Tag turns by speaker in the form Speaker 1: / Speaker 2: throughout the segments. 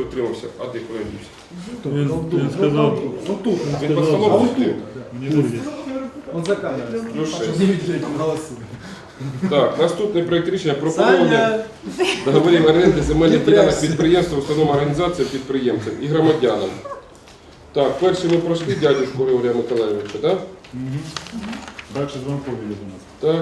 Speaker 1: утримався. А ти куди дівся?
Speaker 2: Він сказав,
Speaker 1: Він по столом тут.
Speaker 2: мені вирішить.
Speaker 3: Он за камерой.
Speaker 1: Плюс 6.
Speaker 3: Не видели голосу.
Speaker 1: Так, наступний проєкт рішення про поновлення договорів оренди земельних ділянок підприємства, установ організації, підприємцям і громадянам. Так, перший ми пройшли дядюшку Григорія Миколаївича, так?
Speaker 2: Далі Звонков їде у нас.
Speaker 1: Так.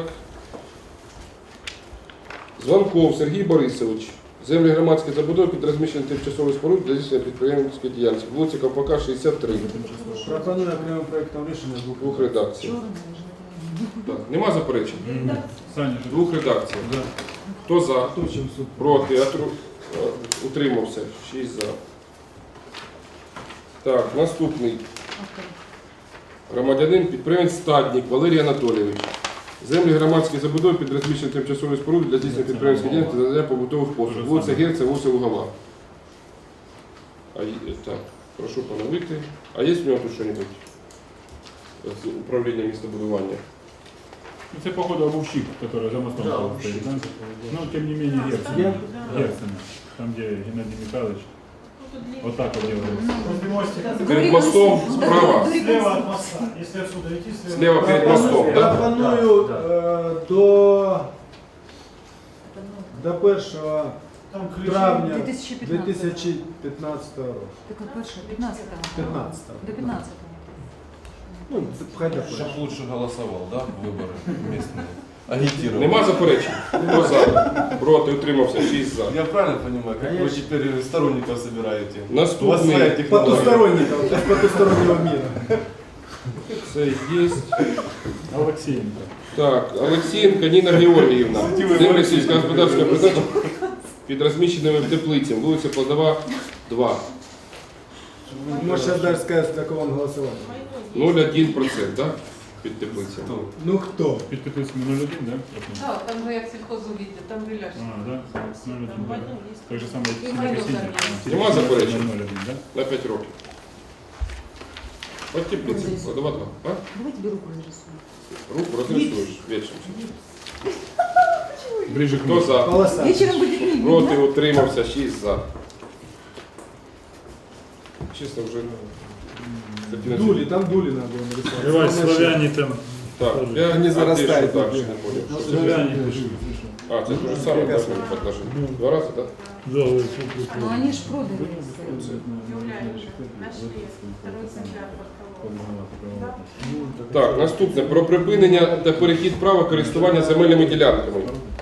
Speaker 1: Звонков Сергій Борисович. Землі громадської забудови під розміщення тимчасових споруд для здійснення підприємницької діяльності. Вулиця Ковпака, 63.
Speaker 3: Пропоную окремим проєктом рішення
Speaker 1: Двох редакцій. Так. Нема заперечень?
Speaker 2: Саня,
Speaker 1: Двох редакцій.
Speaker 2: да.
Speaker 1: Хто за? Проти? Утримався. 6 за. Так, наступний. Громадянин, підприємець Стадник Валерій Анатолійович. Землі громадської забудови під розміщення тимчасової споруди для здійснення підприємської діяльності та надання побутових послуг. Вулиця Герця, вулиця Лугова. Так, прошу поновити. А є в нього тут щось з управління містобудування?
Speaker 2: Ну, це, походу, обувщик, который за мостом стоит, да? Но, тем не менее, Герцена. Там, где Геннадий Михайлович. Вот так вот делается.
Speaker 1: Перед мостом справа.
Speaker 4: Слева от моста. Если отсюда идти,
Speaker 1: Слева перед мостом, да?
Speaker 3: Пропоную до 1
Speaker 4: там ключи.
Speaker 3: травня
Speaker 5: 2015.
Speaker 3: 2015 року.
Speaker 5: Так от перше, 15-го.
Speaker 3: 15-го.
Speaker 5: До 15-го.
Speaker 3: Ну, хай до
Speaker 6: Чтоб лучше голосовал, да, выборы местные. Агитировал.
Speaker 1: Нема заперечень? Хто за? Проти? Утримався. 6 за.
Speaker 6: Я правильно понимаю, как вы теперь сторонников собираете? У вас своя
Speaker 1: Наступний.
Speaker 6: технология.
Speaker 3: Потустороннего, из потустороннего мира.
Speaker 1: Це є.
Speaker 2: Алексеенко.
Speaker 1: Так, Олексієнка Ніна Георгіївна. Землі сільськогосподарського призначення під розміщеними теплицями. Вулиця Плодова, 2.
Speaker 3: Может, сейчас даже сказать, за кого он голосовал.
Speaker 1: 0,1%, так? Під теплицями.
Speaker 6: Кто?
Speaker 3: Ну кто?
Speaker 2: Під теплицями 0,1, да?
Speaker 7: Так, там же як сільхозугіддя, там гриляш.
Speaker 2: А, да? 0,1, да. Так же самое,
Speaker 7: И
Speaker 2: как
Speaker 7: майно
Speaker 2: Синька.
Speaker 7: там
Speaker 1: Нема заперечень?
Speaker 2: 0,1, да?
Speaker 1: На 5 років. От теплиці. Плодова, 2. А?
Speaker 5: Давайте руку нарисуем.
Speaker 1: Руку розрисуєш вечором.
Speaker 2: Ближе к
Speaker 1: Хто
Speaker 2: мосту.
Speaker 1: за?
Speaker 3: Полоса.
Speaker 5: Вечером будет не видно.
Speaker 1: Проти? Утримався. 6 за. Чесно, вже...
Speaker 3: Дули, там дули надо было нарисовать.
Speaker 2: Давай,
Speaker 3: Самое
Speaker 2: славяне там.
Speaker 1: Так, я не
Speaker 3: зарастает
Speaker 1: так,
Speaker 3: тут.
Speaker 1: що не понял.
Speaker 2: Славяне пишут.
Speaker 1: А, це те же саме, так, подложили. 2 рази, так?
Speaker 2: Да, вот,
Speaker 5: Ну они ж продали.
Speaker 7: Нашли. 2 экземпляр подколол.
Speaker 1: Так, наступне. Про припинення та перехід права користування земельними ділянками.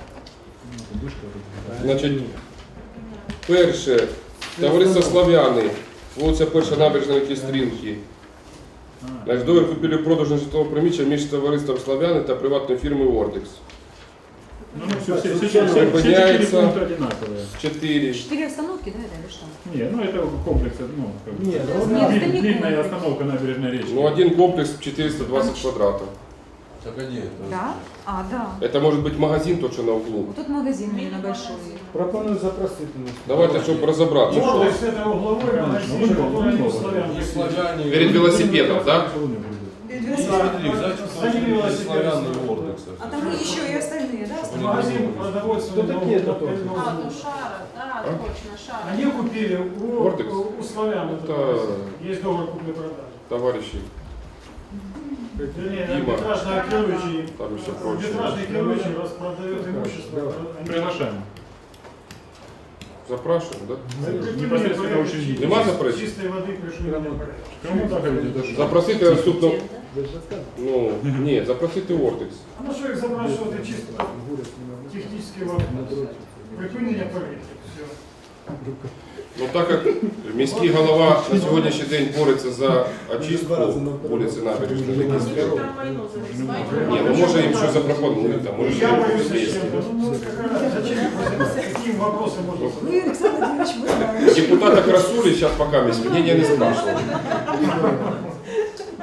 Speaker 1: Значить, перше, товариство Слав'яни, вулиця Перша набережна Кістрінки. Значить, договір купівлі-продажу житлового приміщення між товариством Слав'яни та приватною фірмою Ордекс.
Speaker 2: Ну, все 4
Speaker 1: Припиняется.
Speaker 2: пункта одинаковые.
Speaker 1: 4.
Speaker 5: 4 остановки, да, это или что?
Speaker 2: Не, ну это комплекс, ну, как бы.
Speaker 3: Нет,
Speaker 5: Нет, это не
Speaker 2: Длинная
Speaker 5: комплекс.
Speaker 2: остановка набережной речки.
Speaker 1: Ну, один комплекс 420 квадратов.
Speaker 6: Так а где это?
Speaker 5: Да? А, да.
Speaker 1: Это может быть магазин, тот, что на углу.
Speaker 5: Вот тут магазин именно большой.
Speaker 3: Пропоную запросить у нас.
Speaker 1: Давайте, чтобы разобраться, что.
Speaker 4: Мордой с этого угловой магазин, который не славян.
Speaker 6: Не славяне.
Speaker 1: Перед велосипедом, да?
Speaker 6: Смотри,
Speaker 4: Сзади велосипед.
Speaker 6: славяне и Ордекса.
Speaker 5: А там еще и остальные, да?
Speaker 4: Магазин продовольственный.
Speaker 3: Кто такие это тоже?
Speaker 7: А, ну Шара, да, точно, Шара.
Speaker 4: Они купили
Speaker 1: Ордекс?
Speaker 4: у славян. этот
Speaker 1: Это-
Speaker 4: магазин. Есть договор купли-продажи.
Speaker 1: Товарищи,
Speaker 4: Вернее,
Speaker 1: Дима.
Speaker 4: арбитражный Акеловичи.
Speaker 1: там еще прочее.
Speaker 4: Арбитражный Акеловичи распродает имущество. Они-
Speaker 2: Приглашаем.
Speaker 1: Запрашиваем, да?
Speaker 2: Непосредственно учредитель.
Speaker 1: Нема заперечень?
Speaker 4: Чистой воды пришли на порядок.
Speaker 2: Кому так это даже?
Speaker 1: Запросити наступно. Ну, ні, запросити Ордекс.
Speaker 4: А на що їх запрашувати чисто технічний вопрос? Припинення порядку. Все.
Speaker 1: Ну, так як міський голова на сьогоднішній день бореться за очистку вулиці Набережної.
Speaker 7: Они же там майно зареєстрували.
Speaker 1: Ні, ну може їм щось запропонують, там, може
Speaker 4: Я боюсь,
Speaker 1: щось є.
Speaker 4: зачем? Ну, зачем? Каким вопросом можно задать?
Speaker 5: Вы, Александр Владимирович, вы знаете.
Speaker 1: Депутата Красули сейчас пока мнение не спрашивал.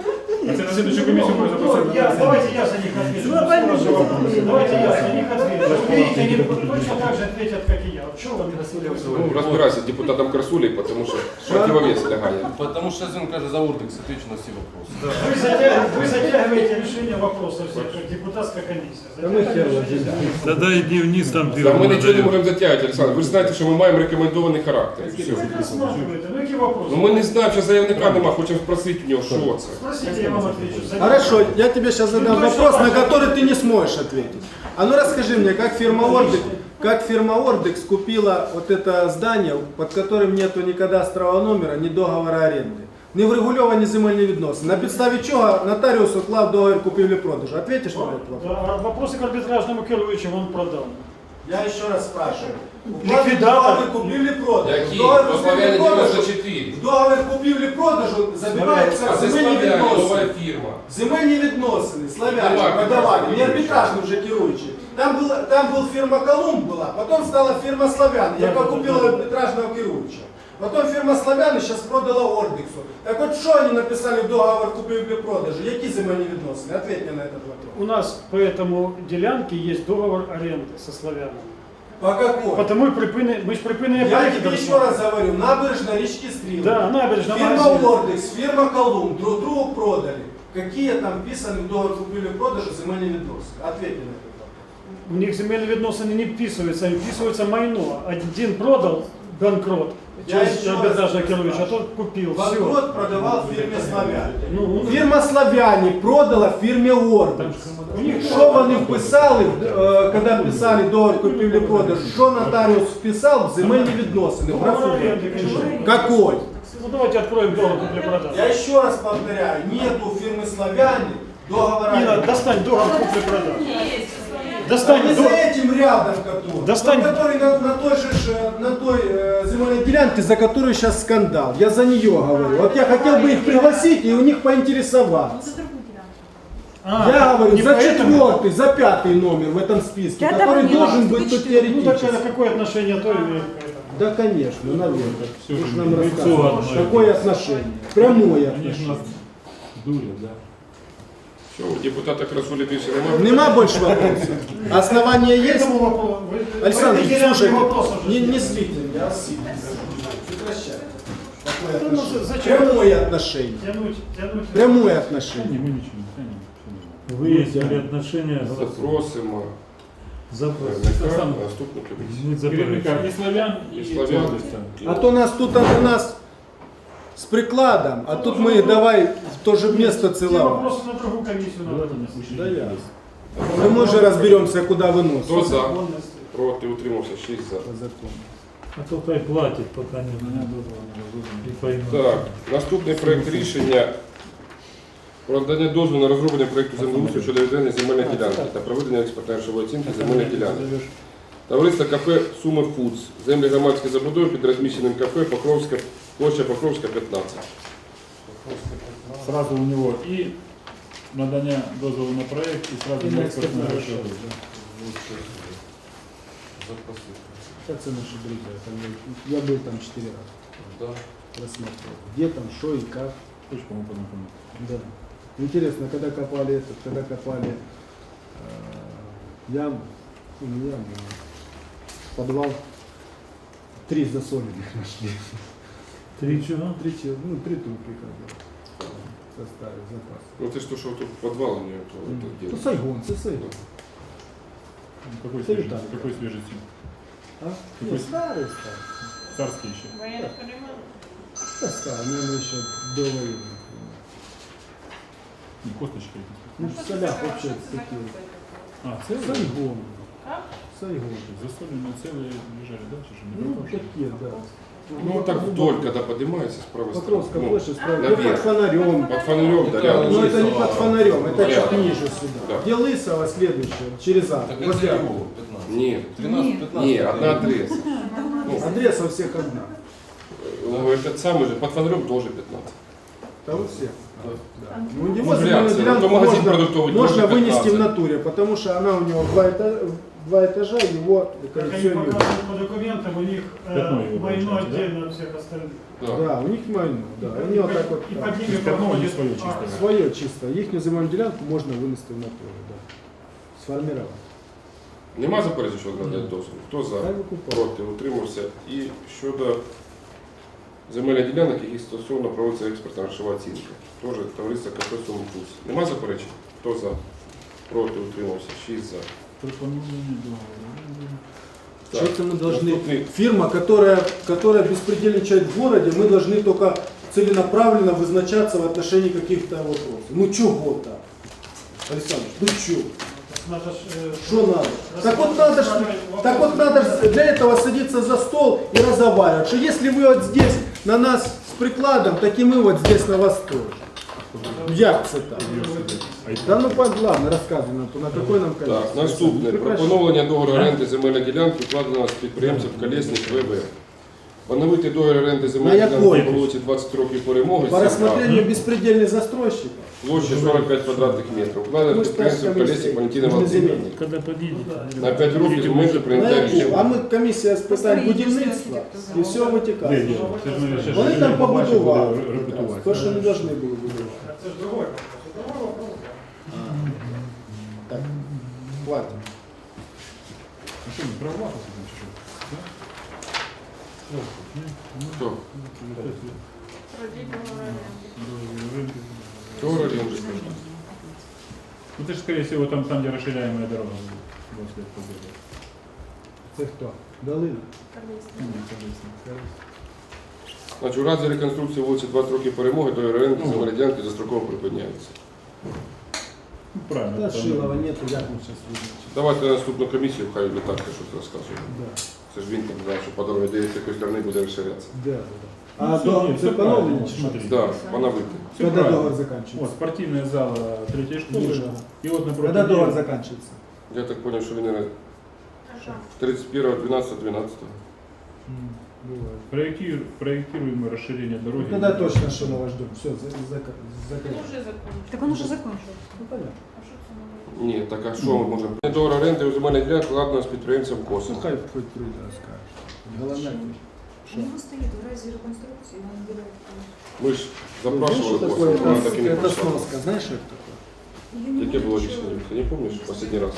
Speaker 2: А це на следующую комиссию мы запросим.
Speaker 4: Давайте я за них отвечу. Давайте я за них отвечу. Вы видите, они точно так же ответят, как и я. Чего вы мне
Speaker 1: Ну, разбирайся с депутатом Красулей, потому что противовес лягает.
Speaker 6: Потому что он каже за Урдекс, отвечу на все вопросы.
Speaker 4: Вы затягиваете решение вопросов всех, как депутатская комиссия.
Speaker 3: Да мы хер возьмем.
Speaker 2: Тогда иди вниз, там
Speaker 1: Та ми нічого не можемо затягувати, Олександр. Ви ж знаєте, що ми маємо рекомендований характер. і Все.
Speaker 4: Вы рассматриваете, ну какие вопросы?
Speaker 1: Ну ми не знаємо, що заявника нема, хочемо спросити в нього, що це.
Speaker 4: Спросите, я вам отвечу.
Speaker 3: Хорошо, я тебе сейчас задам вопрос, на который ты не сможешь ответить. А ну расскажи мне, как фирма Ордекс купила вот это здание, под которым нету ни кадастрового номера, ни договора аренды? Не врегульовані земельні відносини. На підставі чого нотаріус уклав договір купівлі-продажу? Ответишь на этот вопрос?
Speaker 4: Да, вопросы к арбитражному керуючим он продал.
Speaker 3: Я еще раз спрашиваю.
Speaker 4: Ликвидатор.
Speaker 3: Договір купівлі-продажу.
Speaker 1: Які?
Speaker 3: Договір
Speaker 1: По Славяні
Speaker 3: купівлі-продажу.
Speaker 1: 94.
Speaker 3: В договір купівлі-продажу забиваються
Speaker 1: А це
Speaker 3: земельні
Speaker 1: Славяні, нова
Speaker 3: відносини.
Speaker 1: фірма.
Speaker 3: Земельні відносини, славяні,
Speaker 1: Нова
Speaker 3: продавали,
Speaker 1: фірма.
Speaker 3: не арбітражні вже керуючі. Там була фірма Колумб була, потім стала фірма Славяни, яка купила арбітражного керуючого. Потім фірма Славяни зараз продала Ордексу. Так от що вони написали в договор купівлі-продажу? Які земельні відносини? Ответь мені на этот вопрос.
Speaker 4: У нас по этому делянке есть договор аренды со славянами.
Speaker 3: По какой?
Speaker 4: Потому мы ж припинення
Speaker 3: Я
Speaker 4: проекта
Speaker 3: тебе еще раз говорю, набережная речки Стрелы.
Speaker 4: Да, набережная,
Speaker 3: Фирма
Speaker 4: магазин.
Speaker 3: Ордекс, фирма Колумб друг другу продали. Какие там вписаны в договор купівлі-продажу земельні відносини? Ответь на это.
Speaker 4: У них земельные відносини не вписываются, им вписывается майно. Один продал, банкрот,
Speaker 3: Я
Speaker 4: через
Speaker 3: еще раз
Speaker 4: арбитражного керуюча, а
Speaker 3: спрашиваю.
Speaker 4: тот купил. Все.
Speaker 3: Банкрот продавал фирме Славяне.
Speaker 4: Ну,
Speaker 3: Фірма Славяне продала фірмі Ордекс. Що вони вписали, коли писали договор купівлі-продажу? Що нотаріус вписав в земельні відносини? В
Speaker 4: договор
Speaker 3: графу?
Speaker 4: аренды, конечно.
Speaker 3: Какой?
Speaker 4: Ну давайте откроем договор купли-продажи.
Speaker 3: Я еще раз повторяю, нету фирмы Славяне договора.
Speaker 4: Нина, достань договор купли-продажи. Достань
Speaker 3: Они за
Speaker 4: договор.
Speaker 3: этим рядом, который,
Speaker 4: Достань.
Speaker 3: который на той земельной делянке, за которую сейчас скандал. Я за нее говорю. Вот я хотел бы их пригласить и у них поинтересоваться. Я говорю
Speaker 4: не
Speaker 3: за
Speaker 4: поэтому?
Speaker 3: 4-й, за 5-й номер в этом списке,
Speaker 5: Я
Speaker 3: который
Speaker 5: поняла,
Speaker 3: должен
Speaker 5: что
Speaker 3: быть
Speaker 5: ты
Speaker 3: тут
Speaker 5: четвёртый.
Speaker 4: Ну так
Speaker 3: теоретически.
Speaker 4: какое отношение то имеет к этому?
Speaker 3: Да, конечно, наверное.
Speaker 2: Всё
Speaker 3: Вы ж
Speaker 2: же
Speaker 3: нам
Speaker 2: лицо
Speaker 3: рассказывали.
Speaker 2: одно.
Speaker 3: Какое отношение? Прямое
Speaker 2: Они же
Speaker 3: отношение.
Speaker 2: нас дурят, да.
Speaker 1: Все, у депутата Красулі більше немає.
Speaker 3: Нема больше вопросов? Основания
Speaker 4: К
Speaker 3: есть?
Speaker 4: этому вопросу. Вы-
Speaker 3: Александр,
Speaker 4: вы теряете
Speaker 3: слушайте,
Speaker 4: вопрос уже.
Speaker 3: не слите меня, а сильно. Прекращай. Какое
Speaker 4: Ну,
Speaker 3: отношение?
Speaker 4: зачем?
Speaker 3: Прямое отношение.
Speaker 4: Тянуть.
Speaker 3: Прямое
Speaker 2: Да
Speaker 3: отношение.
Speaker 2: не, мы ничего не тянем.
Speaker 8: Выяснили отношения
Speaker 1: Запросимо
Speaker 8: за
Speaker 1: керівника наступну комісію.
Speaker 8: не
Speaker 2: Керівника
Speaker 8: заперечуємо.
Speaker 2: і славян, і
Speaker 1: славян.
Speaker 2: Ордекса.
Speaker 3: А то нас тут у нас с прикладом, а тут мы давай в то же место
Speaker 4: Все
Speaker 3: целовать.
Speaker 4: вопросы на другую комиссию надо.
Speaker 3: Да я. Мы же разберемся, куда выносить.
Speaker 1: Хто за?
Speaker 4: Законности.
Speaker 1: Проти, утримався, 6 за.
Speaker 3: По закону.
Speaker 8: А то хай платить, пока не и поймет.
Speaker 1: Так, наступний проект рішення про надання дозволу на розроблення проекту землеустрою щодо відведення земельної ділянки та проведення експертно-грошової оцінки земельних ділянок. Товариство кафе Суми Фудс. Землі громадської забудови під розміщеним кафе Покровська, площа Покровська, 15.
Speaker 2: Сразу у него и надання дозволу на проект, и сразу на экспертную грошовую.
Speaker 3: Это наши друзья. Я был там 4 раза.
Speaker 6: Да.
Speaker 3: Рассматривал. Где там, что и как.
Speaker 2: Хочешь, кому познакомить?
Speaker 3: Да. Интересно, когда копали яму, не яму, а подвал, 3 засоленных нашли.
Speaker 8: 3 чего?
Speaker 3: 3 трупика составили запас.
Speaker 1: Ну це ж то, що тут підвал у нього, то
Speaker 3: Ну,
Speaker 1: где?
Speaker 3: Сайгон, це Сайгон.
Speaker 2: Какой
Speaker 3: Это
Speaker 2: свежий?
Speaker 3: Виталий.
Speaker 2: Какой свежий сим?
Speaker 3: А?
Speaker 2: Какой?
Speaker 3: Старый.
Speaker 2: Царский еще.
Speaker 7: Военных времен.
Speaker 3: Да, старый, наверное, еще до войны.
Speaker 2: Не, косточки.
Speaker 3: Ну, в солях вообще такие.
Speaker 2: А, целые?
Speaker 3: Сайгон.
Speaker 7: Как?
Speaker 3: Сайгон.
Speaker 2: Засоленные целые лежали, да? Чё же не
Speaker 3: Ну,
Speaker 2: пропавшие?
Speaker 3: такие, да.
Speaker 1: Ну так вдоль, когда поднимается с правой
Speaker 3: Покровская
Speaker 1: стороны.
Speaker 3: площадь, справа, где
Speaker 1: наверх.
Speaker 3: под фонарем.
Speaker 1: Под фонарем, да,
Speaker 6: Ну,
Speaker 1: рядом.
Speaker 3: Но это не под фонарем, это
Speaker 1: Рядом.
Speaker 3: чуть ниже сюда.
Speaker 1: Да.
Speaker 3: Где Лысого следующее, через А.
Speaker 6: Так это
Speaker 3: возле А.
Speaker 6: его, 15.
Speaker 1: Нет,
Speaker 6: 13-15.
Speaker 1: не, одна адреса. Ну,
Speaker 3: Адреса у всех одна.
Speaker 1: ну, этот самый же, под фонарем тоже 15.
Speaker 3: Там все.
Speaker 1: Да.
Speaker 3: Да. Ну, его
Speaker 1: Ну,
Speaker 3: земельную
Speaker 1: реакция.
Speaker 3: делянку
Speaker 1: Ну, магазин продуктовый
Speaker 3: можно
Speaker 1: тоже
Speaker 3: вынести
Speaker 1: 15.
Speaker 3: в натуре, потому что она у него два этажа, его
Speaker 4: Как они
Speaker 3: все не
Speaker 4: показывают по документам, у них
Speaker 2: Пятно его
Speaker 4: майно
Speaker 2: получается, да?
Speaker 4: отдельно от всех остальных.
Speaker 1: Да.
Speaker 3: Да, у них майно, да. Они вот так вот
Speaker 4: И
Speaker 3: там,
Speaker 4: под ними
Speaker 2: Пятно не
Speaker 4: проходит
Speaker 2: свое
Speaker 4: А,
Speaker 2: чисто.
Speaker 3: свое чисто. Їхню земельну ділянку можна винести в натуру, да. Сформувати.
Speaker 1: Нема заперечень, що надати дозвіл? Хто за?
Speaker 3: Хай викупає.
Speaker 1: Проти, утримався. І щодо земельних ділянок, які стосовно проводиться експертна грошова оцінка. Теж товариство КП «Сумпульс». Нема заперечень? Хто за? Проти, утримався. 6 за.
Speaker 2: Пропонування договору.
Speaker 1: Так,
Speaker 3: Что-то мы должны...
Speaker 1: наступний.
Speaker 3: Фирма, которая беспредельничает в городе, мы должны только целенаправленно вызначаться в отношении каких-то вопросов. Ну чего-то. Александр, ну чё?
Speaker 4: Надо ж,
Speaker 3: Что надо? Так вот надо ж для этого садиться за стол и разговаривать. Что если вы вот здесь на нас с прикладом, так и мы вот здесь на вас тоже. Як це так? Да ну ладно, розказуй нам, то на какой нам конец?
Speaker 1: Так, наступне. Про поновлення договору оренди земельної ділянки вкладено з підприємцем Колєсник ВВ. Поновити договір оренди земельної
Speaker 3: На
Speaker 1: ділянки
Speaker 3: якої?
Speaker 1: по вулиці 20 років перемоги.
Speaker 3: По рассмотрению беспредельных застройщиков.
Speaker 1: Площа 45 квадратних метрів. Вкладено
Speaker 3: Ми
Speaker 1: з
Speaker 3: ж
Speaker 1: підприємцем
Speaker 3: теж
Speaker 1: Колєсник Валентина
Speaker 3: комісія.
Speaker 1: Володимирівна.
Speaker 8: Когда подъедете.
Speaker 1: На 5 років з моменту
Speaker 3: На
Speaker 1: прийняття
Speaker 3: яку?
Speaker 1: рішення.
Speaker 3: А ми комісія з питань будівництва і все
Speaker 2: Де
Speaker 3: витікає.
Speaker 2: діло? Це ж ми ще
Speaker 3: Вони
Speaker 2: ж
Speaker 3: там
Speaker 2: побачимо,
Speaker 3: побудували.
Speaker 2: буде репетувати.
Speaker 3: То, що не повинні були будувати.
Speaker 4: это же другой вопрос. Другой вопрос.
Speaker 3: Так, хватит.
Speaker 2: А що, не права там чи що?
Speaker 1: Хто?
Speaker 7: Продіть договор оренди.
Speaker 1: Договор оренди.
Speaker 2: Ну ты же, скорее всего, там, где расширяемая дорога будет. Вот след победы.
Speaker 3: Це хто? Долина.
Speaker 1: Значить, у разі реконструкції вулиці 20 років перемоги, договір оренди земельної ділянки достроково припиняється.
Speaker 2: Ну, правильно.
Speaker 3: Та
Speaker 2: там-
Speaker 3: Шилова нету, як ми зараз визначимо.
Speaker 1: Давайте на наступну комісію, хай Літарка щось розказує.
Speaker 3: Да,
Speaker 1: Це ж він там знає, що по дорозі з якої сторони буде розширятися.
Speaker 3: да, да.
Speaker 2: Ну,
Speaker 3: А
Speaker 2: всё,
Speaker 3: до
Speaker 2: нет,
Speaker 3: це
Speaker 2: всё правильно,
Speaker 3: поновлення чи що?
Speaker 2: смотри.
Speaker 1: Да, поновити.
Speaker 2: Всё
Speaker 3: Когда
Speaker 2: правильно.
Speaker 3: договор
Speaker 2: Вот,
Speaker 3: заканчивается?
Speaker 2: спортивная зала третьей школы.
Speaker 3: Ниже.
Speaker 2: И вот напротив
Speaker 3: Когда договор
Speaker 2: нее-
Speaker 3: заканчивается?
Speaker 1: Я так зрозумів, що він
Speaker 7: Ага.
Speaker 1: 31.12.12.
Speaker 2: Проектируемое расширение дороги.
Speaker 3: Ну, тогда точно Шилова ждем. Все, закрыто.
Speaker 7: Уже закончили.
Speaker 5: Так он уже закончил.
Speaker 3: Ну, понятно.
Speaker 7: А що це нове?
Speaker 1: Ні, так а що ми можемо? Договор оренди у земельних ділянок вкладено з підприємцем Косом.
Speaker 3: Ну, хай хоть прийде, розкаже. Головне.
Speaker 5: У него стоит в разе реконструкции, он выбирает.
Speaker 1: Ми ж запрашували
Speaker 3: Знаешь,
Speaker 1: Коса,
Speaker 3: что
Speaker 1: вона
Speaker 3: такое?
Speaker 1: так і не
Speaker 3: Это
Speaker 1: пройшла.
Speaker 3: сноска. Знаешь, что это такое?
Speaker 1: Яке було рішення? Ти не пам'ятаєш останній раз?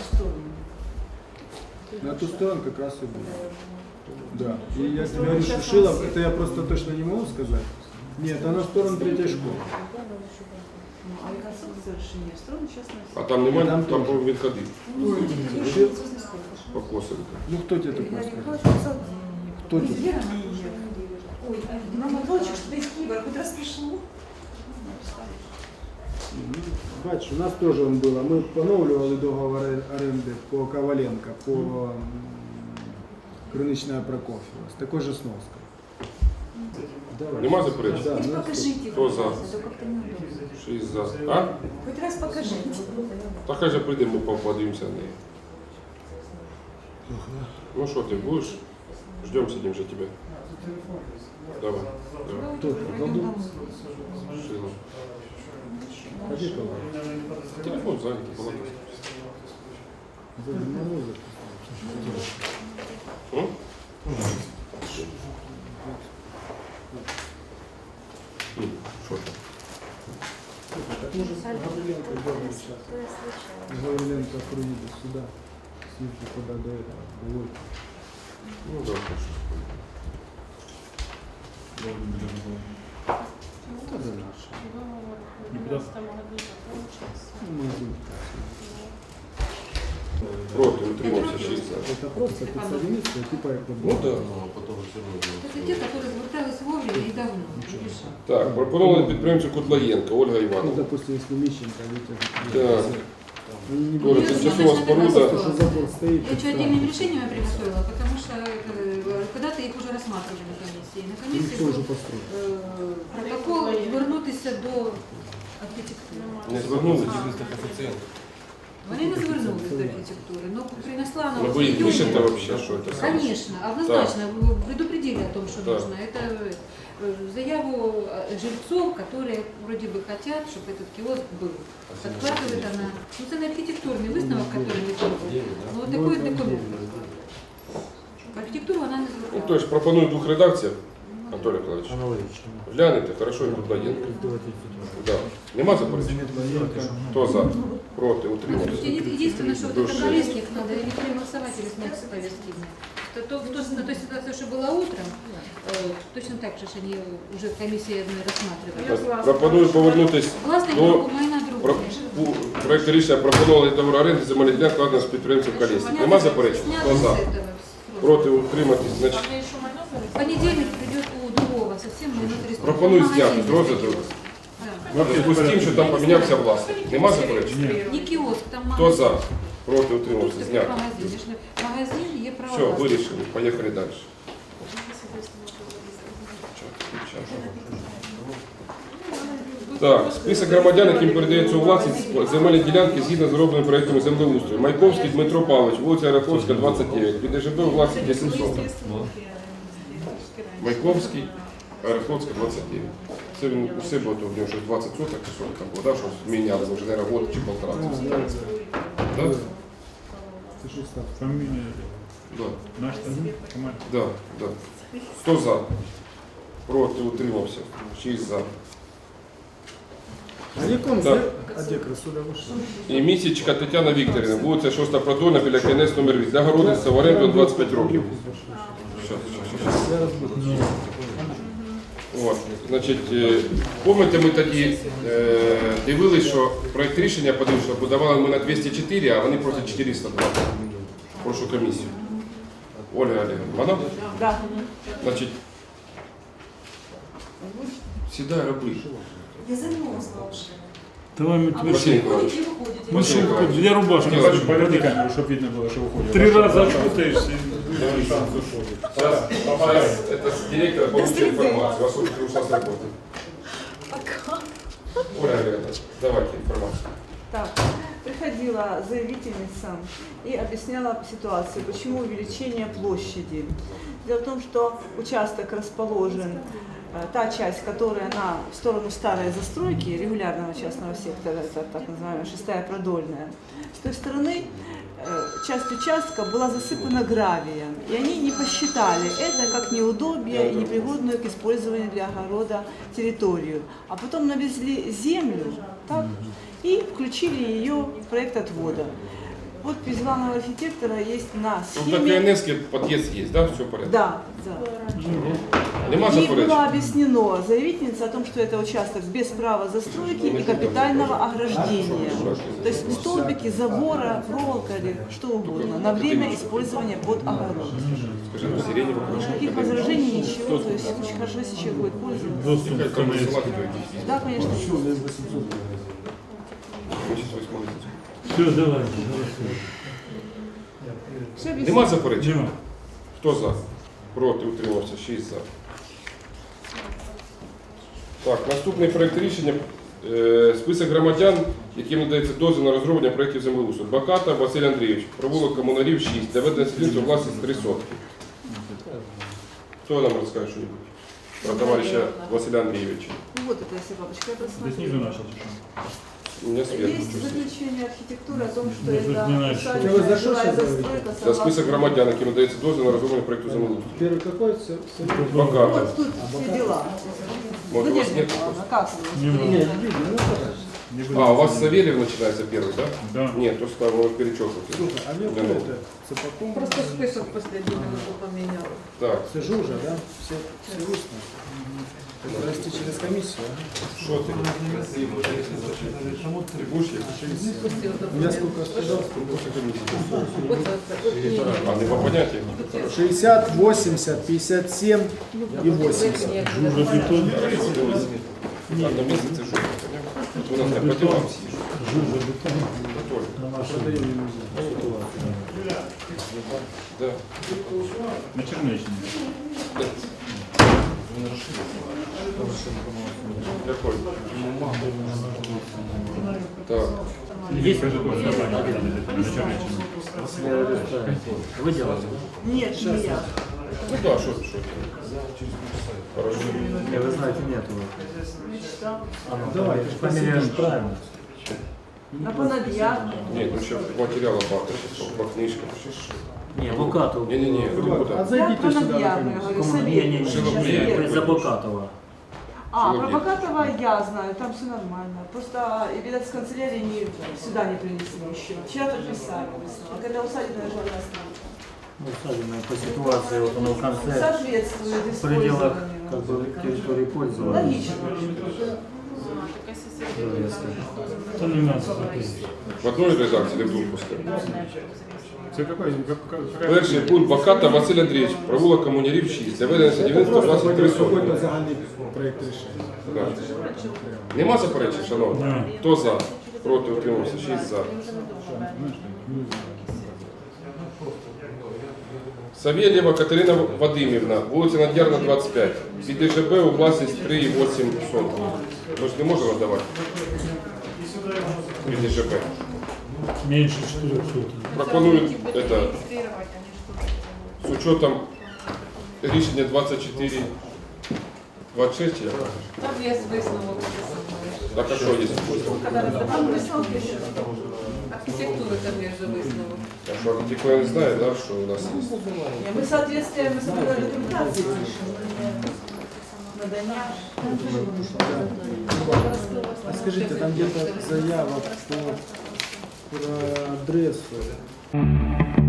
Speaker 3: На ту сторону как раз и было. Да. И я тебе говорю, что Шилов, это я просто точно не могу сказать. Нет, она в сторону третьей школы.
Speaker 9: А реконструкция решения строена сейчас
Speaker 1: А там немає,
Speaker 3: Там
Speaker 1: там
Speaker 3: теж.
Speaker 1: відходив по Косовіку.
Speaker 3: Ну кто тебе такое сказал? Кто тебе?
Speaker 5: Ой, мама, Волчик, что ты из Киева, хоть распишу.
Speaker 3: Бачиш, у нас тоже он было. Мы поновлювали договор оренди по Коваленко, по Криничная Прокофьева. С такой же сноской. Давай.
Speaker 1: Нема заперечень?
Speaker 3: Да,
Speaker 5: Хоть
Speaker 3: ну,
Speaker 5: покажите.
Speaker 1: Кто за?
Speaker 5: пожалуйста, как-то неудобно.
Speaker 1: 6 за. А?
Speaker 5: Хоть раз покажите.
Speaker 1: Та хай же прийдемо, подивимося на неї. Ну що ти, будеш? Ждем сидим вже тебе. Давай. Давай.
Speaker 3: Кто? Колдун?
Speaker 1: Шила.
Speaker 3: Ходи, Колдун.
Speaker 1: Телефон зайнятий, балакай.
Speaker 3: На музыку.
Speaker 1: М? Що там?
Speaker 3: Так может Гавриленко дернуть сейчас. Гавриленко приедет сюда. Снизу куда до этого. до Вольки.
Speaker 1: Ну да, хорошо.
Speaker 3: Это же наше.
Speaker 7: Договор в
Speaker 2: Не
Speaker 7: 2012 году закончился.
Speaker 3: Ну, магазин.
Speaker 1: Проти, утримався 6 за.
Speaker 3: Это просто подсоединиться, типа как бы.
Speaker 1: Ну да.
Speaker 6: Ну, а потом все равно.
Speaker 9: Это те, которые звертались вовремя и давно. Видишь?
Speaker 1: Так, пропонували підприємцю Котлаєнка, Ольга
Speaker 3: Ну,
Speaker 1: Івановна.
Speaker 3: допустим, если Мищенко, Витя.
Speaker 1: Так.
Speaker 3: Они не
Speaker 1: Тоже
Speaker 3: будут.
Speaker 1: тимчасова
Speaker 3: Просто,
Speaker 1: споруда.
Speaker 3: что забор стоит.
Speaker 9: Я что, отдельным решением я приготовила, потому что когда-то их уже рассматривали на комиссии. На комиссии
Speaker 3: Никто уже
Speaker 9: был,
Speaker 3: построил.
Speaker 9: протокол звернутися до архітектури.
Speaker 1: Не звернулись?
Speaker 6: Чисто коэффициент.
Speaker 9: Вони не звернулися до архітектури, но принесла она
Speaker 1: Ну
Speaker 9: вот
Speaker 1: вы их
Speaker 9: в июне.
Speaker 1: пишете вообще, что это?
Speaker 9: Конечно, однозначно, предупредили о том, что
Speaker 1: Да.
Speaker 9: нужно. Это заяву жильцов, которые вроде бы хотят, чтобы этот киоск был. Подкладывает она. Ну, это на архитектурный высновок, который не был. Ну, вот такой документ. Архітектуру вона не
Speaker 1: Ну,
Speaker 9: звертала.
Speaker 1: то есть пропоную в двух редакціях, Анатолій Миколаївич. Глянете, хорошо, не Кудлаєнко. Да. Нема заперечень? Хто за? Проти, утримався.
Speaker 9: Единственное, что вот
Speaker 1: Души.
Speaker 9: это повестник надо или переголосовать, или снять с повестки дня. На той ситуации, что была утром, точно так же, что они уже комиссия рассматривали.
Speaker 1: Пропоную повернутись
Speaker 9: Власне,
Speaker 1: до
Speaker 9: майна
Speaker 1: про-
Speaker 9: друга.
Speaker 1: проекту рішення пропонували договор оренди земельних ділянок укладено з підприємцем Колєснік. Нема заперечень? Хто за? Проти, утриматись, значить.
Speaker 7: Там же еще майно
Speaker 9: В понедельник придет у другого совсем майно 300.
Speaker 1: Пропоную
Speaker 9: Магазин
Speaker 1: зняти з розгляду.
Speaker 9: Да.
Speaker 1: В зв'язку з тим, що там помінявся власник. Нема заперечень?
Speaker 9: Не киоск, там
Speaker 1: Хто
Speaker 9: магазин.
Speaker 1: за? Проти, утримався,
Speaker 9: Тут
Speaker 1: зняти.
Speaker 9: магазин. Якщо магазин є право.
Speaker 1: Все,
Speaker 9: власності.
Speaker 1: вирішили. Поїхали далі. Так, список громадян, яким передається у власність земельні ділянки згідно з зробленим проєктом землеустрою. Майковський Дмитро Павлович, вулиця Раховська, 29. Під ДЖБ у власність 10 соток. Майковський, Раховська, 29. Це він у себе, то в нього щось 20 соток, чи що там було, да, щось міняли, вже, наверное, год чи полтора. Да?
Speaker 2: Фамилия
Speaker 1: Да.
Speaker 2: наш команда.
Speaker 1: Да, да. Хто за? Проти, утримався. 6 за.
Speaker 3: А яком
Speaker 1: Так.
Speaker 3: А де Красуля вийшла?
Speaker 1: І Місячка Тетяна Вікторівна, вулиця 6 Продольна, біля КНС номер 8. Для городництва в оренду 25 років. Щас. От, значить, пам'ятаєте, ми тоді дивилися, що проєкт рішення подивився, що подавали ми на 204, а вони просять 420. Прошу комісію. Ольга Олеговна, вона?
Speaker 5: Да.
Speaker 1: Значить, сідай, роби.
Speaker 5: Я замерзла уже.
Speaker 8: Давай мы тебе
Speaker 1: Василий
Speaker 8: шубку.
Speaker 1: Николаевич.
Speaker 8: Мы шубку, я рубашку.
Speaker 1: Не хочу
Speaker 2: Поверни камеру, чтобы видно было, что выходит.
Speaker 8: 3 раза окутаешься.
Speaker 1: Сейчас это с директора получит информацию. Вас уже ушла с работы. Оля Олеговна, давайте информацию.
Speaker 5: Так, приходила заявительница и объясняла ситуацию, почему увеличение площади. Дело в том, что участок расположен, та часть, которая в сторону старой застройки, регулярного частного сектора, это так называемая 6-я Продольная, с той стороны часть участка была засыпана гравием, и они не посчитали это как неудобие и непригодную к использованию для огорода территорию. А потом навезли землю, так, и включили ее в проект отвода. Подпись главного архитектора есть на
Speaker 1: Ну, на
Speaker 5: схеме.
Speaker 1: КНС подъезд есть, да? Все в порядке?
Speaker 5: Да, да.
Speaker 1: Нема
Speaker 5: Ей
Speaker 1: заперечень?
Speaker 5: было объяснено заявительница о том, что это участок без права застройки и капитального ограждения. То есть столбики, забора, проволока или что угодно на время использования под огород.
Speaker 1: Скажи, ну сиреневый
Speaker 5: Никаких возражений, ничего. То есть очень хорошо, если человек будет пользоваться.
Speaker 8: Доступ к КНС.
Speaker 5: Да, конечно.
Speaker 8: Все, давай.
Speaker 5: Все объясню.
Speaker 1: Нема заперечень?
Speaker 8: Дима.
Speaker 1: Хто за? Проти, утримався, 6 за. Так, наступний проєкт рішення. Список громадян, яким надається дозвіл на розроблення проєктів землеустрою. Баката Василь Андрійович, провулок Комунарів 6, для ведення стрільців власність 3 сотки. Хто нам розкаже щось про товариша Василя Андрійовича?
Speaker 5: Ну, вот эта вся папочка, я
Speaker 2: Ты снизу
Speaker 5: просмотрела.
Speaker 2: начал чуть-чуть.
Speaker 1: У меня сверху.
Speaker 5: Есть заключение архитектуры о том, что
Speaker 8: Ну, тут
Speaker 5: это
Speaker 8: не надо.
Speaker 5: усадебная
Speaker 3: Вы за что
Speaker 5: жилая
Speaker 3: сейчас
Speaker 5: застройка
Speaker 1: Це
Speaker 5: согласно-
Speaker 1: список громадян, яким надається дозвіл на розроблення проєкту землеустрою.
Speaker 3: Первый какой?
Speaker 1: Баката.
Speaker 5: Вот тут все дела.
Speaker 1: Может, у вас
Speaker 5: Надежда
Speaker 1: нет?
Speaker 5: Николаевна, как вы?
Speaker 8: Не
Speaker 3: Не, не видно, ну подожди.
Speaker 2: Не
Speaker 1: А,
Speaker 2: будем.
Speaker 1: у вас Савельев начинается первый, да?
Speaker 2: Да.
Speaker 1: Нет, то что вы перечеркнуть.
Speaker 3: Слушай, а мне
Speaker 1: Не
Speaker 3: кто
Speaker 1: надо.
Speaker 3: это? Цепаком?
Speaker 5: Просто список последний минуту поменял.
Speaker 1: Так,
Speaker 3: Сижу уже, да? Все устно. Это расти через комиссию, а?
Speaker 1: что ты? Ты будешь есть?
Speaker 3: Я сколько сказал?
Speaker 1: А, ты по понятиям?
Speaker 3: 60, 80, 57 и 80.
Speaker 8: Жужа бетон.
Speaker 1: Одно место ты что, у нас не по делам съешь.
Speaker 8: Жужа бетон.
Speaker 1: Только. Да.
Speaker 2: На Чернечине.
Speaker 1: Какой? Так.
Speaker 2: Есть же тоже собрание, на Чернеччине.
Speaker 8: Вы делаете?
Speaker 5: Нет, не я.
Speaker 1: Ну да, что ты. Хорошо.
Speaker 8: Не, вы знаете, нет его.
Speaker 5: Мечта.
Speaker 3: Давай,
Speaker 8: Фамилия же правильно.
Speaker 5: А понадья?
Speaker 1: Нет, ну еще материала багато, сейчас по книжкам.
Speaker 8: Не, Букатов.
Speaker 1: Не-не-не, куда?
Speaker 5: Я
Speaker 3: Зайдите
Speaker 5: про
Speaker 3: сюда,
Speaker 5: Надья,
Speaker 3: наконец.
Speaker 5: я говорю,
Speaker 8: Не,
Speaker 5: совет.
Speaker 8: не,
Speaker 1: Шиловые.
Speaker 5: Совет.
Speaker 8: за Букатова.
Speaker 5: А, про Богатого я знаю, там все нормально. Просто, и, видать, с канцелярии сюда не принесли еще. Вчера подписали высновок. Когда усадебная журналистика.
Speaker 8: Ну, усадебная по ситуации, вот оно в конце.
Speaker 5: Соответствует
Speaker 8: В пределах
Speaker 5: использованию.
Speaker 8: как бы территории пользования.
Speaker 5: Логично.
Speaker 7: Такая соседняя.
Speaker 2: Это не надо записывать.
Speaker 1: В одной редакції или в двох пускай?
Speaker 2: Це какой?
Speaker 1: Перший пункт Баката Василь Андрійович, провулок Комунярів 6. Для ведення садівництва власність 3 сотні.
Speaker 3: Какой-то загальный проект решения.
Speaker 1: Да. Нема заперечень, шановні? Хто за? Проти, утримався, 6 за. Савєлєва Катерина Вадимівна, вулиця Над'ярна, 25. Під ДЖБ у власність 3,8 соток. Ми ж не можемо надавати під ДЖБ.
Speaker 8: Меньше 400.
Speaker 1: Пропонують это,
Speaker 7: Регистрировать, они что-то
Speaker 1: з учетом рішення 24, 26, я кажу.
Speaker 9: Там є висновок.
Speaker 1: Так а що є?
Speaker 5: Там высновок еще.
Speaker 9: Архітектури там є вже висновок.
Speaker 1: А що архітектура не знає, да, що у нас є?
Speaker 5: Не, мы соответствие, мы с документации пишем. Надання.
Speaker 3: А скажите, там где-то заява про адресу.